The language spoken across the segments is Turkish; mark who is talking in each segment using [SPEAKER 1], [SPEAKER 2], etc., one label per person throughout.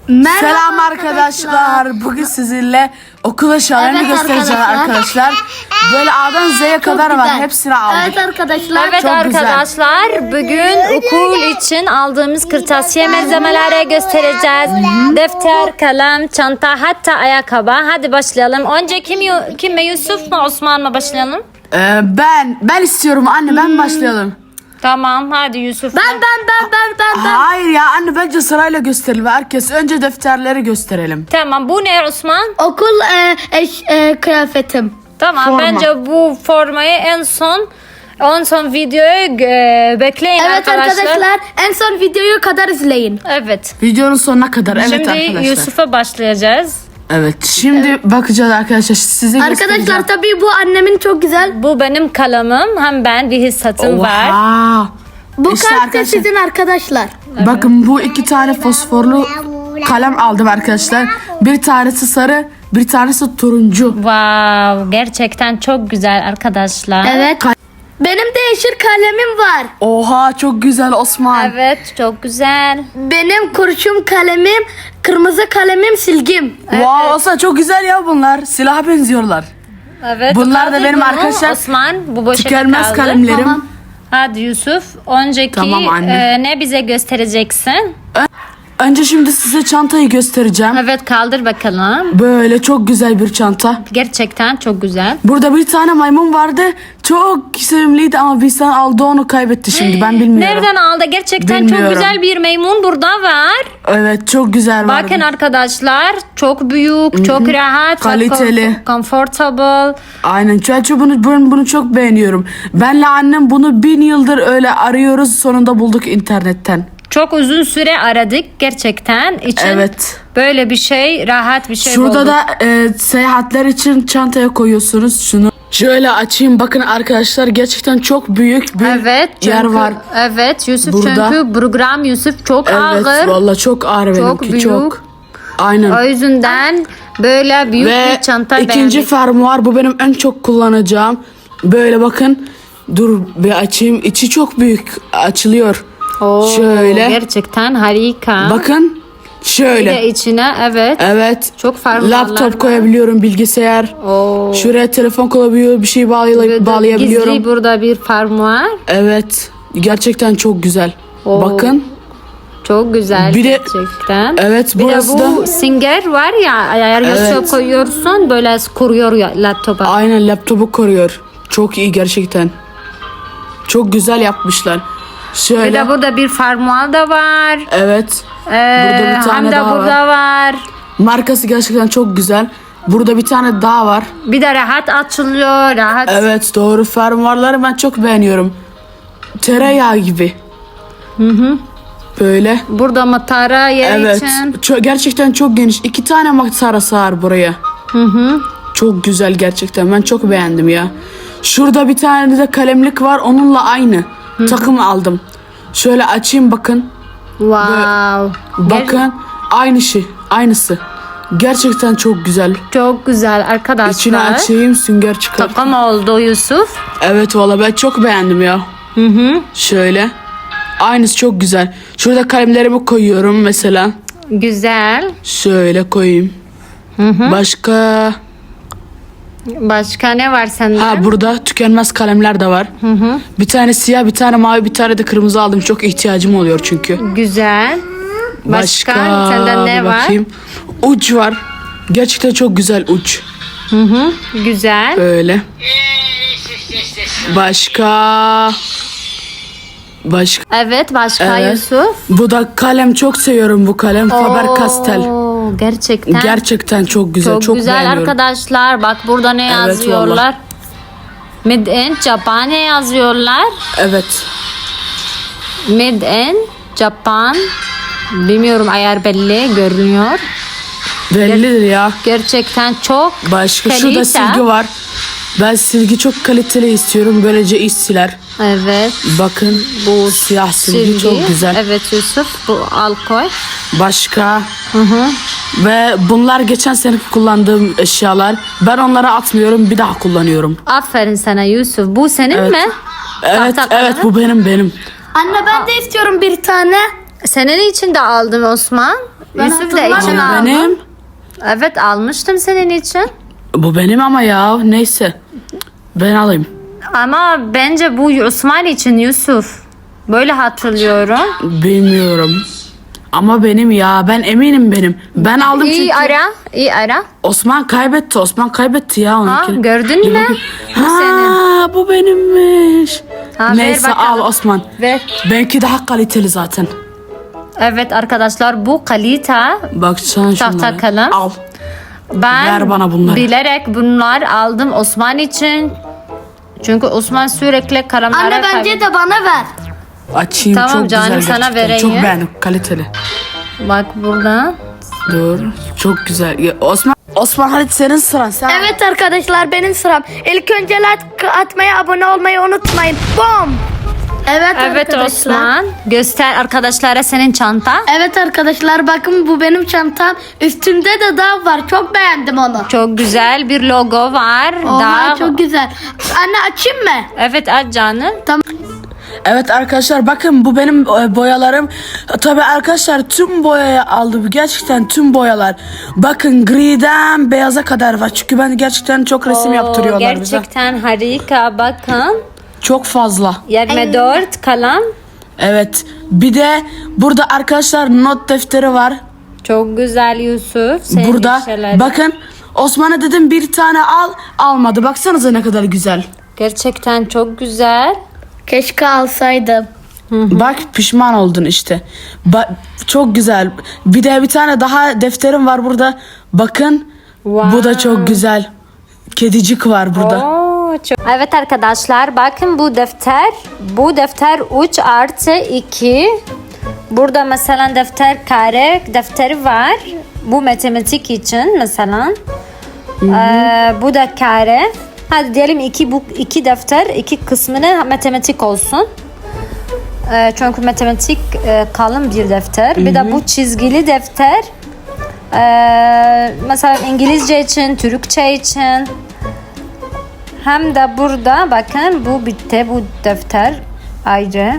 [SPEAKER 1] Selam arkadaşlar. Bugün sizinle okul eşyalarını göstereceğim arkadaşlar. Böyle A'dan Z'ye kadar var. Hepsini aldık.
[SPEAKER 2] Evet arkadaşlar.
[SPEAKER 3] Evet arkadaşlar, bugün okul için aldığımız kırtasiye malzemeleri göstereceğiz. Defter, kalem, çanta, hatta ayakkabı. Hadi başlayalım. Önce kim mi, Yusuf mu, Osman mı başlayalım?
[SPEAKER 1] Ben istiyorum anne, ben başlayalım.
[SPEAKER 3] Tamam, hadi Yusuf.
[SPEAKER 2] Ben.
[SPEAKER 1] Hayır ya anne, bence sırayla gösterelim. Herkes önce defterleri gösterelim.
[SPEAKER 3] Tamam, bu ne Osman?
[SPEAKER 2] Okul kıyafetim.
[SPEAKER 3] Tamam,
[SPEAKER 1] Forma.
[SPEAKER 3] bence bu formayı en son videoyu bekleyin
[SPEAKER 2] Evet arkadaşlar, en son videoyu kadar izleyin.
[SPEAKER 3] Evet.
[SPEAKER 1] Videonun sonuna kadar. Evet
[SPEAKER 3] Şimdi
[SPEAKER 1] arkadaşlar.
[SPEAKER 3] Yusuf'a başlayacağız.
[SPEAKER 1] Evet, şimdi bakacağız arkadaşlar. Size göstereceğim.
[SPEAKER 2] Arkadaşlar tabii bu annemin çok güzel.
[SPEAKER 3] Bu benim kalemim. Hem ben bir hissatım var.
[SPEAKER 1] Oha.
[SPEAKER 2] Bu
[SPEAKER 1] İşte
[SPEAKER 2] kart da
[SPEAKER 1] arkadaşlar.
[SPEAKER 2] sizin arkadaşlar.
[SPEAKER 1] Bakın, bu iki tane fosforlu kalem aldım arkadaşlar. Bir tanesi sarı, bir tanesi turuncu.
[SPEAKER 3] Wow, gerçekten çok güzel arkadaşlar.
[SPEAKER 2] Evet. Benim de yeşil kalemim var.
[SPEAKER 1] Oha, çok güzel Osman.
[SPEAKER 3] Evet, çok güzel.
[SPEAKER 2] Benim kurşun kalemim, kırmızı kalemim, silgim.
[SPEAKER 1] Wow, Osman çok güzel ya bunlar. Silaha benziyorlar.
[SPEAKER 3] Evet.
[SPEAKER 1] Bunlar da
[SPEAKER 3] kaldır
[SPEAKER 1] benim
[SPEAKER 3] bunu,
[SPEAKER 1] arkadaşlar,
[SPEAKER 3] Osman, bu boşuna
[SPEAKER 1] tükenmez
[SPEAKER 3] kaldı.
[SPEAKER 1] kalemlerim.
[SPEAKER 2] Tamam.
[SPEAKER 3] Hadi Yusuf, önceki
[SPEAKER 1] Tamam anne.
[SPEAKER 3] ne bize göstereceksin?
[SPEAKER 1] Önce şimdi size çantayı göstereceğim.
[SPEAKER 3] Evet, kaldır bakalım.
[SPEAKER 1] Böyle çok güzel bir çanta.
[SPEAKER 3] Gerçekten çok güzel.
[SPEAKER 1] Burada bir tane maymun vardı. Çok sevimliydi ama bir insan aldı, onu kaybetti şimdi. Ben bilmiyorum.
[SPEAKER 3] Nereden aldı? Gerçekten
[SPEAKER 1] Bilmiyorum.
[SPEAKER 3] çok güzel bir maymun burada var.
[SPEAKER 1] Evet, çok güzel vardı.
[SPEAKER 3] Bakın arkadaşlar, çok büyük, çok rahat,
[SPEAKER 1] Kaliteli.
[SPEAKER 3] comfortable.
[SPEAKER 1] Aynen. Çünkü bunu çok beğeniyorum. Benle annem bunu 1000 yıldır öyle arıyoruz. Sonunda bulduk internetten.
[SPEAKER 3] Çok uzun süre aradık gerçekten için.
[SPEAKER 1] Evet.
[SPEAKER 3] Böyle bir şey, rahat bir şey
[SPEAKER 1] Şurada
[SPEAKER 3] bulduk.
[SPEAKER 1] da seyahatler için çantaya koyuyorsunuz şunu. Şöyle açayım, bakın arkadaşlar, gerçekten çok büyük bir
[SPEAKER 3] Evet,
[SPEAKER 1] yer
[SPEAKER 3] çünkü,
[SPEAKER 1] var.
[SPEAKER 3] Evet Yusuf,
[SPEAKER 1] Burada.
[SPEAKER 3] çünkü program Yusuf çok
[SPEAKER 1] Evet,
[SPEAKER 3] ağır.
[SPEAKER 1] vallahi çok ağır
[SPEAKER 3] Çok
[SPEAKER 1] benimki,
[SPEAKER 3] büyük.
[SPEAKER 1] çok. Aynen.
[SPEAKER 3] O yüzden böyle büyük
[SPEAKER 1] Ve
[SPEAKER 3] bir çanta
[SPEAKER 1] ikinci
[SPEAKER 3] beğendik.
[SPEAKER 1] fermuar, bu benim en çok kullanacağım. Böyle bakın, dur bir açayım, içi çok büyük, açılıyor.
[SPEAKER 3] Oo,
[SPEAKER 1] Şöyle
[SPEAKER 3] gerçekten harika.
[SPEAKER 1] bakın,
[SPEAKER 3] Bir
[SPEAKER 1] şöyle.
[SPEAKER 3] de içine
[SPEAKER 1] Evet.
[SPEAKER 3] çok fermuarlar
[SPEAKER 1] Laptop
[SPEAKER 3] var.
[SPEAKER 1] koyabiliyorum, bilgisayar.
[SPEAKER 3] Oo.
[SPEAKER 1] Şuraya telefon koyabiliyorum, bir şey bağlayabiliyorum.
[SPEAKER 3] Gizli burada bir fermuar.
[SPEAKER 1] Evet. Gerçekten çok güzel.
[SPEAKER 3] Oo.
[SPEAKER 1] Bakın.
[SPEAKER 3] Çok güzel
[SPEAKER 1] Bir de-
[SPEAKER 3] gerçekten.
[SPEAKER 1] Evet,
[SPEAKER 3] Bir de
[SPEAKER 1] burası
[SPEAKER 3] bu
[SPEAKER 1] da
[SPEAKER 3] Singer var ya, ayar koyuyorsun, böyle kuruyor ya laptopa.
[SPEAKER 1] aynen laptopu koruyor. Çok iyi gerçekten. Çok güzel yapmışlar.
[SPEAKER 3] Bir
[SPEAKER 1] Şöyle.
[SPEAKER 3] de burada bir fermuar da var.
[SPEAKER 1] Evet.
[SPEAKER 3] Burada
[SPEAKER 1] bir tane
[SPEAKER 3] hem de
[SPEAKER 1] daha
[SPEAKER 3] burada var.
[SPEAKER 1] Markası gerçekten çok güzel. Burada bir tane daha var.
[SPEAKER 3] Bir de rahat açılıyor, rahat.
[SPEAKER 1] Evet, doğru. Fermuarları ben çok beğeniyorum. Tereyağı gibi. Böyle.
[SPEAKER 3] Burada matara yer
[SPEAKER 1] Evet.
[SPEAKER 3] için.
[SPEAKER 1] Gerçekten çok geniş. 2 tane matara sığar buraya. Çok güzel gerçekten. Ben çok beğendim ya. Şurada bir tane de kalemlik var. Onunla aynı. Takım aldım. Şöyle açayım, bakın.
[SPEAKER 3] Wow.
[SPEAKER 1] Bakın. Aynı şey. Aynısı. Gerçekten çok güzel.
[SPEAKER 3] Çok güzel arkadaşlar.
[SPEAKER 1] İçine açayım, sünger çıkar.
[SPEAKER 3] Takım oldu Yusuf.
[SPEAKER 1] Evet, valla ben çok beğendim ya. Şöyle. Aynısı çok güzel. Şurada kalemlerimi koyuyorum mesela.
[SPEAKER 3] Güzel.
[SPEAKER 1] Şöyle koyayım. Başka...
[SPEAKER 3] Başka ne var sende?
[SPEAKER 1] Ha, burada tükenmez kalemler de var. Bir tane siyah, bir tane mavi, bir tane de kırmızı aldım. Çok ihtiyacım oluyor çünkü.
[SPEAKER 3] Güzel. Başka sende ne
[SPEAKER 1] bir
[SPEAKER 3] var?
[SPEAKER 1] bakayım. Uç var. Gerçekten çok güzel uç.
[SPEAKER 3] Güzel.
[SPEAKER 1] Böyle. Başka...
[SPEAKER 3] Evet, başka
[SPEAKER 1] Evet.
[SPEAKER 3] Yusuf.
[SPEAKER 1] Bu da kalem, çok seviyorum bu kalem. Faber-Castell.
[SPEAKER 3] Oo, gerçekten.
[SPEAKER 1] Gerçekten çok güzel.
[SPEAKER 3] çok güzel
[SPEAKER 1] beğeniyorum.
[SPEAKER 3] arkadaşlar. Bak burada ne
[SPEAKER 1] Evet,
[SPEAKER 3] yazıyorlar? Made in Japan yazıyorlar.
[SPEAKER 1] Evet.
[SPEAKER 3] Made in Japan. Bilmiyorum, ayar belli görünüyor.
[SPEAKER 1] Bellidir ya.
[SPEAKER 3] Gerçekten çok
[SPEAKER 1] Başka
[SPEAKER 3] kalite.
[SPEAKER 1] şurada silgi var. Ben silgi çok kaliteli istiyorum. Böylece iş siler.
[SPEAKER 3] Evet.
[SPEAKER 1] Bakın, bu siyah silgi çok güzel.
[SPEAKER 3] Evet Yusuf, bu alkol.
[SPEAKER 1] Başka. Ve bunlar geçen sene kullandığım eşyalar. Ben onları atmıyorum, bir daha kullanıyorum.
[SPEAKER 3] Aferin sana Yusuf. Bu senin
[SPEAKER 1] Evet.
[SPEAKER 3] mi?
[SPEAKER 1] Evet,
[SPEAKER 3] Tahta
[SPEAKER 1] evet,
[SPEAKER 3] kalemi.
[SPEAKER 1] bu benim.
[SPEAKER 2] Anne ben de istiyorum bir tane.
[SPEAKER 3] Senin için de aldım Osman. Yusuf da için
[SPEAKER 2] hatırlamıyorum.
[SPEAKER 3] aldım.
[SPEAKER 1] Benim.
[SPEAKER 3] Evet almıştım senin için.
[SPEAKER 1] Bu benim ama ya. Neyse. Ben alayım.
[SPEAKER 3] Ama bence bu Osman için Yusuf. Böyle hatırlıyorum.
[SPEAKER 1] Bilmiyorum. Ama benim ya. Ben eminim benim. Ben aldım
[SPEAKER 3] İyi
[SPEAKER 1] çünkü.
[SPEAKER 3] ara. İyi ara.
[SPEAKER 1] Osman kaybetti. Osman kaybetti ya onunkini.
[SPEAKER 3] Gördün
[SPEAKER 1] Bir
[SPEAKER 3] mü?
[SPEAKER 1] bakayım.
[SPEAKER 3] Bu senin.
[SPEAKER 1] Ha, bu benimmiş.
[SPEAKER 3] Ha, ver
[SPEAKER 1] Neyse al
[SPEAKER 3] bakalım.
[SPEAKER 1] Osman.
[SPEAKER 3] Ver.
[SPEAKER 1] Belki daha kaliteli zaten.
[SPEAKER 3] Evet arkadaşlar bu kalita.
[SPEAKER 1] Bak sen
[SPEAKER 3] Tahta
[SPEAKER 1] şunları.
[SPEAKER 3] kalem.
[SPEAKER 1] Al.
[SPEAKER 3] Ben
[SPEAKER 1] Ver bana bunları.
[SPEAKER 3] bilerek bunlar aldım Osman için. Çünkü Osman sürekli kalemlere
[SPEAKER 2] Anne bence de bana ver.
[SPEAKER 1] Açayım,
[SPEAKER 3] Tamam
[SPEAKER 1] çok
[SPEAKER 3] canım,
[SPEAKER 1] güzel
[SPEAKER 3] sana
[SPEAKER 1] gerçekten.
[SPEAKER 3] vereyim.
[SPEAKER 1] Çok beğendim, kaliteli.
[SPEAKER 3] Bak burada.
[SPEAKER 1] Dur, çok güzel. Ya, Osman hadi senin sıran. Sen
[SPEAKER 2] Evet arkadaşlar benim sıram. İlk önce like atmayı, abone olmayı unutmayın. Bom. Evet,
[SPEAKER 3] Evet
[SPEAKER 2] arkadaşlar.
[SPEAKER 3] Osman. Göster arkadaşlara senin çanta.
[SPEAKER 2] Evet arkadaşlar bakın bu benim çantam. Üstünde de dağ var. Çok beğendim onu.
[SPEAKER 3] Çok güzel bir logo var.
[SPEAKER 2] Oha
[SPEAKER 3] Daha...
[SPEAKER 2] çok güzel. Anne açayım mı?
[SPEAKER 3] Evet aç canım.
[SPEAKER 1] Evet arkadaşlar bakın bu benim boyalarım. Tabii arkadaşlar tüm boyayı aldım. Gerçekten tüm boyalar. Bakın griden beyaza kadar var. Çünkü ben gerçekten çok resim yaptırıyorlar bize.
[SPEAKER 3] Gerçekten harika bakın.
[SPEAKER 1] Çok fazla.
[SPEAKER 3] 24 kalem.
[SPEAKER 1] Evet. Bir de burada arkadaşlar not defteri var.
[SPEAKER 3] Çok güzel Yusuf. Senin
[SPEAKER 1] Burada
[SPEAKER 3] şeylerin.
[SPEAKER 1] bakın Osman'a dedim bir tane al, almadı. Baksanıza ne kadar güzel.
[SPEAKER 3] Gerçekten çok güzel.
[SPEAKER 2] Keşke alsaydım.
[SPEAKER 1] Bak pişman oldun işte. Çok güzel. Bir de bir tane daha defterim var burada. Bakın.
[SPEAKER 3] Wow.
[SPEAKER 1] Bu da çok güzel. Kedicik var burada.
[SPEAKER 3] Oo, çok... Evet arkadaşlar bakın bu defter. Bu defter 3 artı 2. Burada mesela defter kare defteri var. Bu matematik için mesela. Bu da kare. Hadi diyelim bu iki defter iki kısmını matematik olsun. Çünkü matematik kalın bir defter. Bir de bu çizgili defter. Mesela İngilizce için, Türkçe için. Hem de burada bakın bu bitti bu defter ayrı.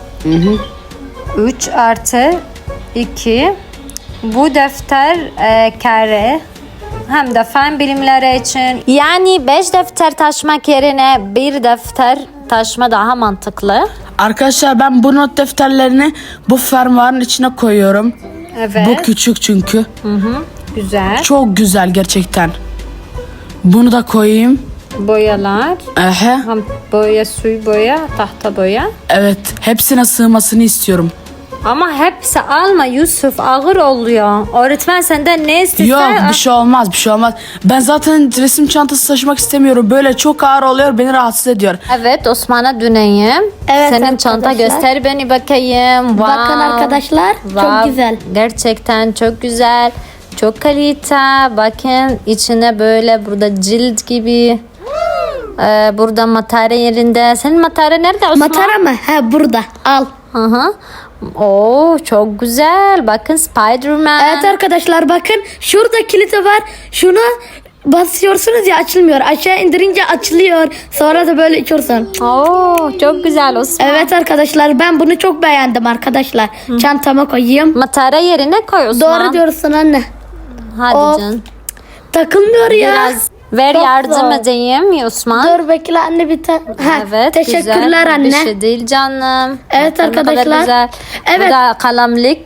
[SPEAKER 3] 3 artı 2. Bu defter kare. Hem de fen bilimleri için. Yani 5 defter taşımak yerine bir defter taşıma daha mantıklı.
[SPEAKER 1] Arkadaşlar ben bu not defterlerini bu fermuarın içine koyuyorum.
[SPEAKER 3] Evet.
[SPEAKER 1] Bu küçük çünkü.
[SPEAKER 3] Güzel.
[SPEAKER 1] Çok güzel gerçekten. Bunu da koyayım.
[SPEAKER 3] Boyalar.
[SPEAKER 1] Ehe.
[SPEAKER 3] Hem boya, suyu boya, tahta boya.
[SPEAKER 1] Evet. Hepsine sığmasını istiyorum.
[SPEAKER 3] Ama hepsi alma Yusuf, ağır oluyor. Öğretmen senden ne isterse...
[SPEAKER 1] Yok bir şey olmaz, bir şey olmaz. Ben zaten resim çantası taşımak istemiyorum. Böyle çok ağır oluyor, beni rahatsız ediyor.
[SPEAKER 3] Evet Osman'a döneyim.
[SPEAKER 2] Evet
[SPEAKER 3] Senin
[SPEAKER 2] arkadaşlar.
[SPEAKER 3] çanta göster beni bakayım. Wow.
[SPEAKER 2] Bakın arkadaşlar
[SPEAKER 3] Wow.
[SPEAKER 2] çok güzel.
[SPEAKER 3] Gerçekten çok güzel. Çok kalite. Bakın içine böyle burada cilt gibi. Burada matara yerinde. Senin matara nerede Osman?
[SPEAKER 2] Matara mı? He burada. Al.
[SPEAKER 3] Hı hı. Oo çok güzel. Bakın Spider-Man.
[SPEAKER 2] Evet arkadaşlar bakın şurada kilidi var. Şunu basıyorsunuz ya açılmıyor. Aşağı indirince açılıyor. Sonra da böyle içiyorsun.
[SPEAKER 3] Oo çok güzel Osman.
[SPEAKER 2] Evet arkadaşlar ben bunu çok beğendim arkadaşlar. Çantama koyayım.
[SPEAKER 3] Matara yerine koy Osman.
[SPEAKER 2] Doğru diyorsun anne.
[SPEAKER 3] Hadi
[SPEAKER 2] Of.
[SPEAKER 3] canım.
[SPEAKER 2] Takılmıyor ya.
[SPEAKER 3] Biraz ver
[SPEAKER 2] Çok
[SPEAKER 3] yardım
[SPEAKER 2] zor.
[SPEAKER 3] edeyim ya Osman.
[SPEAKER 2] Dur bekle anne bir tane.
[SPEAKER 3] Evet
[SPEAKER 2] Teşekkürler
[SPEAKER 3] güzel.
[SPEAKER 2] anne.
[SPEAKER 3] Bir şey değil canım.
[SPEAKER 2] Evet
[SPEAKER 3] Bakın ne kadar
[SPEAKER 2] arkadaşlar.
[SPEAKER 3] güzel.
[SPEAKER 2] Evet.
[SPEAKER 3] Bu da kalemlik.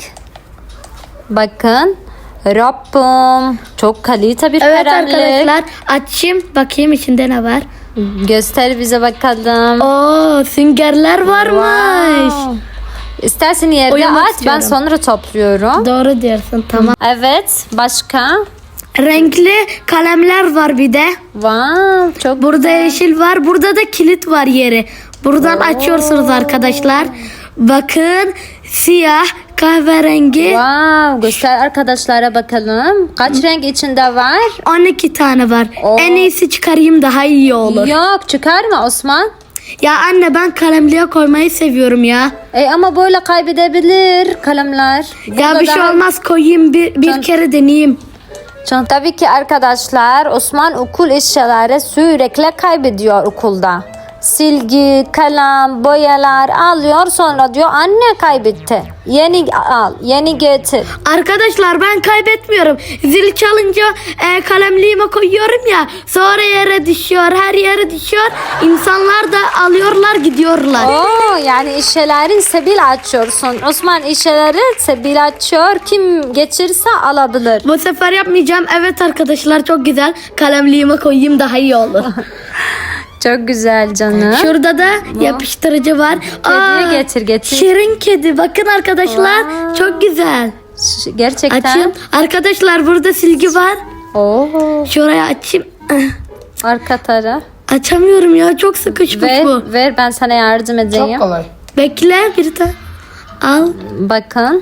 [SPEAKER 3] Bakın. Rabbim. Çok kalite bir
[SPEAKER 2] Evet
[SPEAKER 3] kalemlik.
[SPEAKER 2] arkadaşlar açayım bakayım içinde ne var.
[SPEAKER 3] Göster bize bakalım.
[SPEAKER 2] Oo süngerler varmış.
[SPEAKER 3] Wow. İstersen yerde
[SPEAKER 2] Oynamak
[SPEAKER 3] at ben
[SPEAKER 2] istiyorum.
[SPEAKER 3] sonra topluyorum.
[SPEAKER 2] Doğru diyorsun tamam.
[SPEAKER 3] Evet başka?
[SPEAKER 2] Renkli kalemler var bir de.
[SPEAKER 3] Wow, çok
[SPEAKER 2] Burada
[SPEAKER 3] güzel.
[SPEAKER 2] yeşil var. Burada da kilit var yeri. Buradan açıyorsunuz arkadaşlar. Bakın siyah, kahverengi.
[SPEAKER 3] Wow, göster arkadaşlara bakalım. Kaç renk içinde var?
[SPEAKER 2] 12 tane var.
[SPEAKER 3] Oo.
[SPEAKER 2] En iyisi çıkarayım daha iyi olur.
[SPEAKER 3] Yok çıkarma Osman.
[SPEAKER 2] Ya anne ben kalemliğe koymayı seviyorum ya.
[SPEAKER 3] Ama böyle kaybedebilir kalemler.
[SPEAKER 2] Ya
[SPEAKER 3] Burada
[SPEAKER 2] bir şey
[SPEAKER 3] daha-
[SPEAKER 2] olmaz koyayım bir kere deneyeyim.
[SPEAKER 3] Tabii ki arkadaşlar Osman okul eşyaları sürekli kaybediyor okulda. silgi, kalem, boyalar alıyor. Sonra diyor anne kaybetti. Yeni al, yeni getir.
[SPEAKER 2] Arkadaşlar ben kaybetmiyorum. Zil çalınca kalemliğime koyuyorum ya. Sonra yere düşüyor. Her yere düşüyor. İnsanlar da alıyorlar gidiyorlar.
[SPEAKER 3] Oo, yani işeleri sebil açıyorsun. Osman işeleri sebil açıyor. Kim geçirse alabilir.
[SPEAKER 2] Bu sefer yapmayacağım. Evet arkadaşlar çok güzel. Kalemliğime koyayım daha iyi olur.
[SPEAKER 3] Çok güzel canım.
[SPEAKER 2] Şurada da yapıştırıcı var.
[SPEAKER 3] Kediyi getir.
[SPEAKER 2] Şirin kedi. Bakın arkadaşlar çok güzel.
[SPEAKER 3] Gerçekten.
[SPEAKER 2] Açayım. Arkadaşlar burada silgi var.
[SPEAKER 3] Oo,
[SPEAKER 2] Şuraya açayım.
[SPEAKER 3] arka taraf.
[SPEAKER 2] Açamıyorum ya çok sıkışmış bu.
[SPEAKER 3] Ver ben sana yardım edeyim.
[SPEAKER 1] Çok kolay.
[SPEAKER 2] Bekle bir tane. Al.
[SPEAKER 3] Bakın.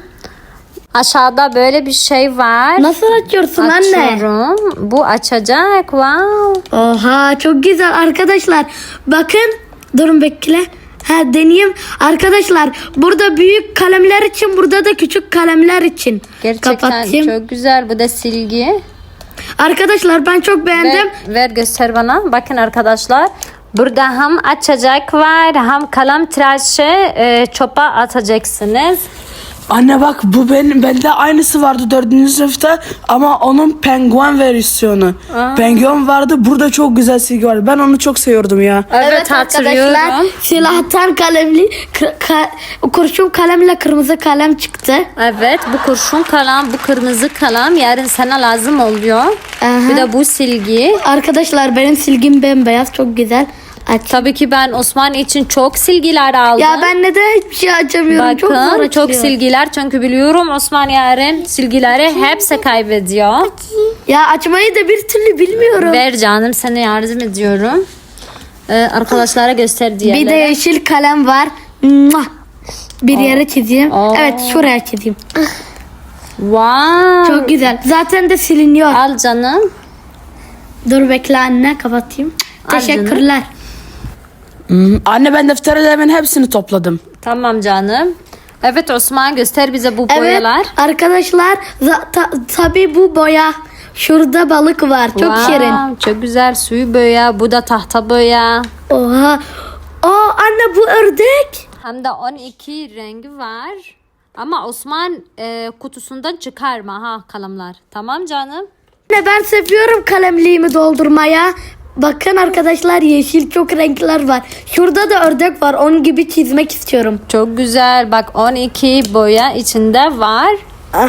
[SPEAKER 3] Aşağıda böyle bir şey var.
[SPEAKER 2] Nasıl açıyorsun anne?
[SPEAKER 3] Açıyorum. Bu açacak. Wow.
[SPEAKER 2] Oha çok güzel arkadaşlar. Bakın. Durun bekle. Ha deneyeyim. Arkadaşlar burada büyük kalemler için burada da küçük kalemler için.
[SPEAKER 3] Gerçekten
[SPEAKER 2] Kapatayım.
[SPEAKER 3] çok güzel. Bu da silgi.
[SPEAKER 2] Arkadaşlar ben çok beğendim.
[SPEAKER 3] Ver göster bana. Bakın arkadaşlar. Burada hem açacak var hem kalem tıraşı çöpe atacaksınız.
[SPEAKER 1] Anne bak bu bende aynısı vardı 4. sınıfta ama onun penguen versiyonu. Penguen vardı, burada çok güzel silgi vardı. Ben onu çok seviyordum ya.
[SPEAKER 3] Evet, hatırlıyorum.
[SPEAKER 2] Silahtan kalemli kurşun kalemle kırmızı kalem çıktı.
[SPEAKER 3] Evet, bu kurşun kalem, bu kırmızı kalem yarın sana lazım oluyor.
[SPEAKER 2] Aha.
[SPEAKER 3] Bir de bu silgi.
[SPEAKER 2] Arkadaşlar benim silgim bembeyaz çok güzel. Aç.
[SPEAKER 3] Tabii ki ben Osman için çok silgiler aldım.
[SPEAKER 2] Ya ben neden hiçbir şey açamıyorum? Çok zor
[SPEAKER 3] Bakın
[SPEAKER 2] açılıyor.
[SPEAKER 3] çok silgiler çünkü biliyorum Osman yarın silgileri hepsi kaybediyor.
[SPEAKER 2] Ya açmayı da bir türlü bilmiyorum.
[SPEAKER 3] Ver canım sana yardım ediyorum. Arkadaşlara göster diğerleri.
[SPEAKER 2] Bir de yeşil kalem var. Mua! Bir yere çizeyim.
[SPEAKER 3] Aa.
[SPEAKER 2] Evet şuraya çizeyim.
[SPEAKER 3] Wow.
[SPEAKER 2] Çok güzel. Zaten de siliniyor.
[SPEAKER 3] Al canım.
[SPEAKER 2] Dur bekle anne kapatayım.
[SPEAKER 3] Al canım.
[SPEAKER 2] Teşekkürler.
[SPEAKER 1] Anne ben defterlerimin hepsini topladım.
[SPEAKER 3] Tamam canım. Evet Osman göster bize bu boyalar.
[SPEAKER 2] Evet arkadaşlar tabii bu boya. Şurada balık var. Çok
[SPEAKER 3] Wow,
[SPEAKER 2] şirin.
[SPEAKER 3] çok güzel suyu boya. Bu da tahta boya.
[SPEAKER 2] Oha. Aa anne bu ördek.
[SPEAKER 3] Hem de 12 rengi var. Ama Osman kutusundan çıkarma ha kalemler. Tamam canım.
[SPEAKER 2] Anne ben seviyorum kalemliğimi doldurmaya. Bakın arkadaşlar yeşil çok renkler var. Şurada da ördek var. Onun gibi çizmek istiyorum.
[SPEAKER 3] Çok güzel. Bak 12 boya içinde var.
[SPEAKER 2] Ah.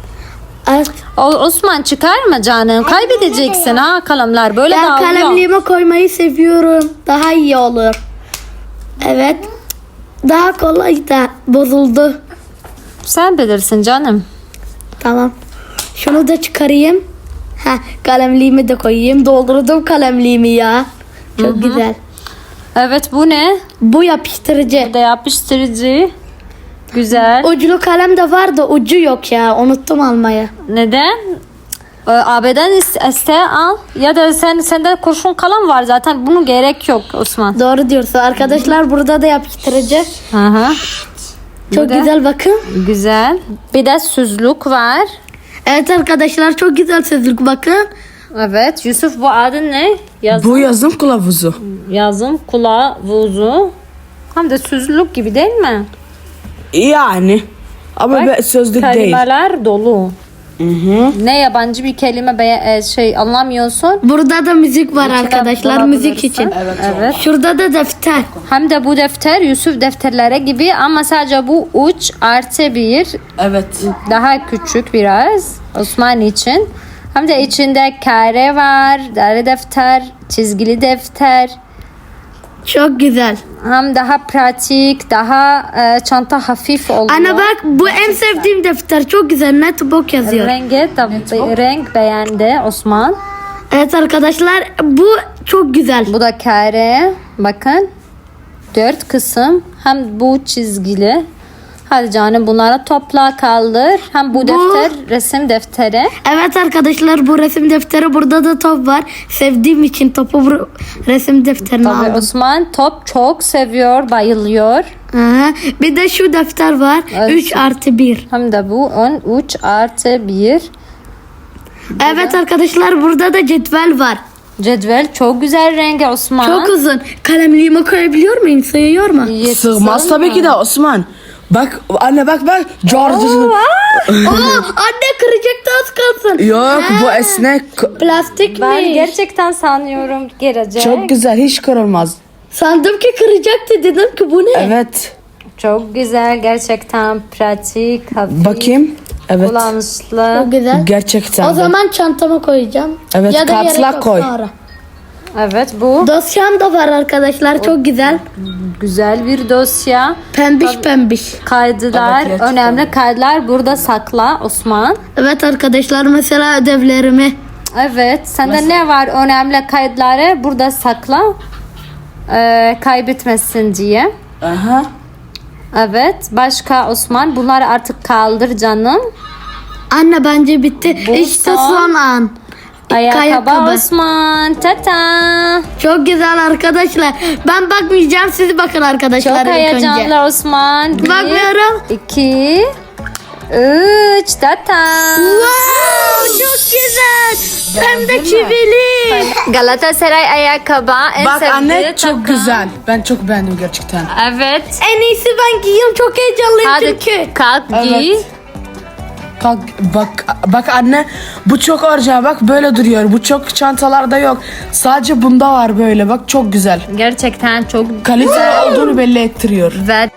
[SPEAKER 3] Osman çıkarma canım. Kaybedeceksin ha kalemler. Böyle
[SPEAKER 2] Ben
[SPEAKER 3] dağılıyor.
[SPEAKER 2] kalemliğime koymayı seviyorum. Daha iyi olur. Evet. Daha kolay da bozuldu.
[SPEAKER 3] Sen bilirsin canım.
[SPEAKER 2] Tamam. Şunu da çıkarayım. Ha, kalemliğimi de koyayım. Doldurdum kalemliğimi ya. Çok güzel.
[SPEAKER 3] Evet bu ne?
[SPEAKER 2] Bu yapıştırıcı.
[SPEAKER 3] Bu da yapıştırıcı. Güzel.
[SPEAKER 2] Uclu kalem de var da ucu yok ya. Unuttum almaya.
[SPEAKER 3] Neden? AB'den iste al. Ya da sende kurşun kalem var zaten. Bunun gerek yok Osman.
[SPEAKER 2] Doğru diyorsun. Arkadaşlar burada da yapıştırıcı.
[SPEAKER 3] Hı hı.
[SPEAKER 2] Çok
[SPEAKER 3] Bu da-
[SPEAKER 2] güzel bakın.
[SPEAKER 3] Güzel. Bir de süzlük var.
[SPEAKER 2] Evet arkadaşlar çok güzel sözlük bakın.
[SPEAKER 3] Evet. Yusuf bu adı ne?
[SPEAKER 1] Bu yazım kılavuzu.
[SPEAKER 3] Yazım kılavuzu. Hem de süzlük gibi değil mi?
[SPEAKER 1] Yani. Ama
[SPEAKER 3] Bak,
[SPEAKER 1] sözlük değil.
[SPEAKER 3] kelimeler dolu. Ne yabancı bir kelime anlamıyorsun.
[SPEAKER 2] Burada da müzik var
[SPEAKER 3] İçine
[SPEAKER 2] arkadaşlar.
[SPEAKER 3] bulabilirsin.
[SPEAKER 2] Müzik için.
[SPEAKER 3] Evet.
[SPEAKER 2] Şurada da defter.
[SPEAKER 3] Hem de bu defter Yusuf defterlere gibi ama sadece bu uç artı bir.
[SPEAKER 1] Evet.
[SPEAKER 3] Daha küçük biraz Osman için. Hem de içinde kare var, deri defter, çizgili defter.
[SPEAKER 2] Çok güzel.
[SPEAKER 3] Hem daha pratik, daha çanta hafif oluyor.
[SPEAKER 2] Ana bak bu en sevdiğim defter. Çok güzel. Netbook yazıyor.
[SPEAKER 3] Renk beğendi Osman.
[SPEAKER 2] Evet arkadaşlar bu çok güzel.
[SPEAKER 3] Bu da kare. Bakın. 4 kısım. Hem bu çizgili. Hadi canım bunları topla kaldır. Hem bu defter resim defteri.
[SPEAKER 2] Evet arkadaşlar bu resim defteri burada da top var. Sevdiğim için topu bu resim defterine
[SPEAKER 3] Tabii
[SPEAKER 2] aldım.
[SPEAKER 3] Osman top çok seviyor, bayılıyor.
[SPEAKER 2] Aha. Bir de şu defter var.
[SPEAKER 3] Evet.
[SPEAKER 2] 3+1.
[SPEAKER 3] Hem de bu 13+1.
[SPEAKER 2] Evet arkadaşlar burada da cetvel var.
[SPEAKER 3] Cetvel çok güzel rengi Osman.
[SPEAKER 2] Çok uzun. Kalemliğime koyabiliyor muyum? Sığıyor mu?
[SPEAKER 1] Sığmaz tabii ki de Osman. Bak anne bak. George.
[SPEAKER 2] Anne kıracaktı az kalsın.
[SPEAKER 1] Yok bu esnek.
[SPEAKER 2] Plastik
[SPEAKER 3] Ben
[SPEAKER 2] mi?
[SPEAKER 3] gerçekten sanıyorum gelecek.
[SPEAKER 1] Çok güzel, hiç kırılmaz.
[SPEAKER 2] Sandım ki kıracaktı. Dedim ki bu ne?
[SPEAKER 1] Evet.
[SPEAKER 3] Çok güzel gerçekten pratik, hafif,
[SPEAKER 1] Bakayım. Evet.
[SPEAKER 3] kullanışlı.
[SPEAKER 2] Çok güzel.
[SPEAKER 1] Gerçekten.
[SPEAKER 2] O
[SPEAKER 1] de.
[SPEAKER 2] zaman çantama koyacağım.
[SPEAKER 1] Evet,
[SPEAKER 2] ya da
[SPEAKER 1] kartla
[SPEAKER 2] gerek yok
[SPEAKER 1] koy.
[SPEAKER 2] sonra.
[SPEAKER 3] Evet bu
[SPEAKER 2] Dosyam da var arkadaşlar. Çok güzel.
[SPEAKER 3] güzel bir dosya.
[SPEAKER 2] Pembiş.
[SPEAKER 3] Kaydılar,
[SPEAKER 1] Evet, gerçekten.
[SPEAKER 3] önemli kaydılar burada sakla Osman.
[SPEAKER 2] Evet arkadaşlar mesela ödevlerimi.
[SPEAKER 3] Evet, sende ne var önemli kayıtları burada sakla. Kaybetmesin diye.
[SPEAKER 1] Aha.
[SPEAKER 3] Evet, başka Osman bunları artık kaldır canım.
[SPEAKER 2] Anne bence bitti.
[SPEAKER 3] Bu
[SPEAKER 2] işte
[SPEAKER 3] son.
[SPEAKER 2] son an.
[SPEAKER 3] Ayakkabı Osman. Tata.
[SPEAKER 2] Çok güzel arkadaşlar. Ben bakmayacağım. Siz bakın arkadaşlar
[SPEAKER 3] Çok
[SPEAKER 2] ilk önce.
[SPEAKER 3] heyecanlı Osman.
[SPEAKER 2] Bakmıyorum.
[SPEAKER 3] 2 3 tata.
[SPEAKER 2] Wow, çok güzel. Hem de çivili.
[SPEAKER 3] Galatasaray ayakkabı en
[SPEAKER 1] Bak
[SPEAKER 3] sevdiği
[SPEAKER 1] anne çok
[SPEAKER 3] tata.
[SPEAKER 1] güzel. Ben çok beğendim gerçekten.
[SPEAKER 3] Evet.
[SPEAKER 2] En iyisi ben giyeyim. Çok heyecanlıyım
[SPEAKER 3] Hadi
[SPEAKER 2] çünkü.
[SPEAKER 3] kalk giy.
[SPEAKER 1] Evet. Kalk, bak anne bu çok orijinal, bak böyle duruyor. Bu çok çantalarda yok. Sadece bunda var böyle, bak çok güzel.
[SPEAKER 3] Gerçekten çok
[SPEAKER 1] Kaliteli olduğunu belli ettiriyor.
[SPEAKER 3] ve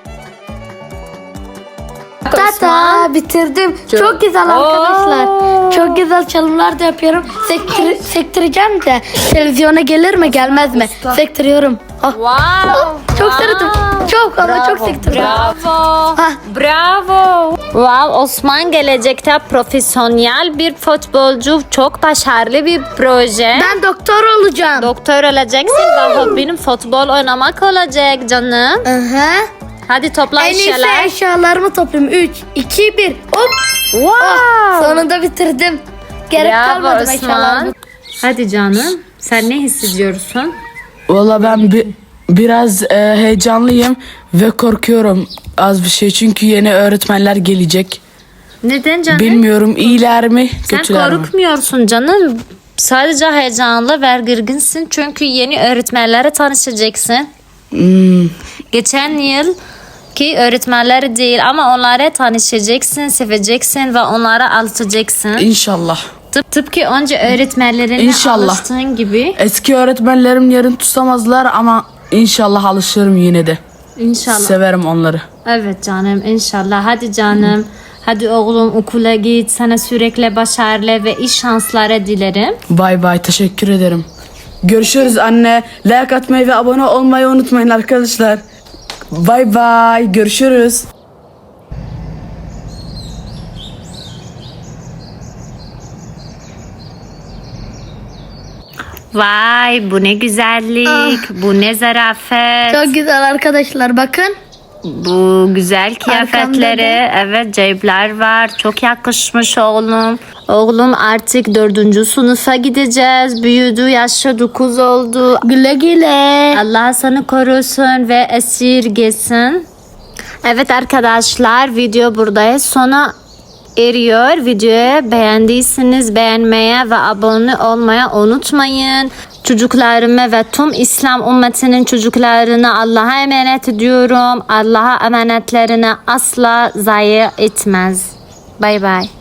[SPEAKER 2] Tata bitirdim. Çok güzel arkadaşlar.
[SPEAKER 3] Oo.
[SPEAKER 2] Çok güzel çalımlar da yapıyorum. Sektireceğim de televizyona gelir mi gelmez mi? Sektiriyorum. Ah,
[SPEAKER 3] Wow.
[SPEAKER 2] çok sarıldım. Çok ama çok sektirdim.
[SPEAKER 3] Bravo.
[SPEAKER 2] Hah.
[SPEAKER 3] Bravo. Wow, Osman gelecekte profesyonel bir futbolcu, çok başarılı bir proje.
[SPEAKER 2] Ben doktor olacağım.
[SPEAKER 3] Doktor olacaksın ve hobinin futbol oynamak olacak canım.
[SPEAKER 2] Aha.
[SPEAKER 3] Hadi topla
[SPEAKER 2] En iyisi
[SPEAKER 3] eşyalar.
[SPEAKER 2] eşyalarımı toplayayım. 3, 2, 1. Hop.
[SPEAKER 3] Wow.
[SPEAKER 2] Sonunda bitirdim. Gerek
[SPEAKER 3] Bravo
[SPEAKER 2] kalmadı
[SPEAKER 3] Osman.
[SPEAKER 2] eşyalarımı.
[SPEAKER 3] Hadi canım. Sen ne hissediyorsun?
[SPEAKER 1] Valla ben biraz heyecanlıyım ve korkuyorum az bir şey. Çünkü yeni öğretmenler gelecek.
[SPEAKER 3] Neden canım?
[SPEAKER 1] Bilmiyorum iyiler mi
[SPEAKER 3] Sen
[SPEAKER 1] kötüler mi?
[SPEAKER 3] korkmuyorsun canım. Sadece heyecanlı ve gerginsin çünkü yeni öğretmenlere tanışacaksın. Geçen yıl ki öğretmenler değil ama onlara tanışacaksın, seveceksin ve onlara alışacaksın.
[SPEAKER 1] İnşallah.
[SPEAKER 3] Tıpkı önce öğretmenlerine
[SPEAKER 1] İnşallah.
[SPEAKER 3] alıştığın gibi.
[SPEAKER 1] Eski öğretmenlerim yerini tutamazlar ama inşallah alışırım yine de.
[SPEAKER 3] İnşallah.
[SPEAKER 1] Severim onları.
[SPEAKER 3] Evet canım inşallah. Hadi canım. Hadi oğlum okula git. Sana sürekli başarılı ve iyi şanslar dilerim.
[SPEAKER 1] Bay bay, teşekkür ederim. Görüşürüz anne. Like atmayı ve abone olmayı unutmayın arkadaşlar. Bay bay, görüşürüz.
[SPEAKER 3] Vay bu ne güzellik. Bu ne zarafet.
[SPEAKER 2] Çok güzel arkadaşlar bakın.
[SPEAKER 3] Bu güzel kıyafetleri. Evet cepler var. Çok yakışmış oğlum. Oğlum artık 4. sınıfa gideceğiz. Büyüdü, yaşı 9 oldu.
[SPEAKER 2] Güle güle.
[SPEAKER 3] Allah seni korusun ve esirgesin. Evet arkadaşlar video burada sona eriyor. Videoyu beğendiyseniz beğenmeye ve abone olmaya unutmayın. Çocuklarımı ve tüm İslam ümmetinin çocuklarını Allah'a emanet ediyorum. Allah'a emanetlerini asla zayi etmez. Bay bay.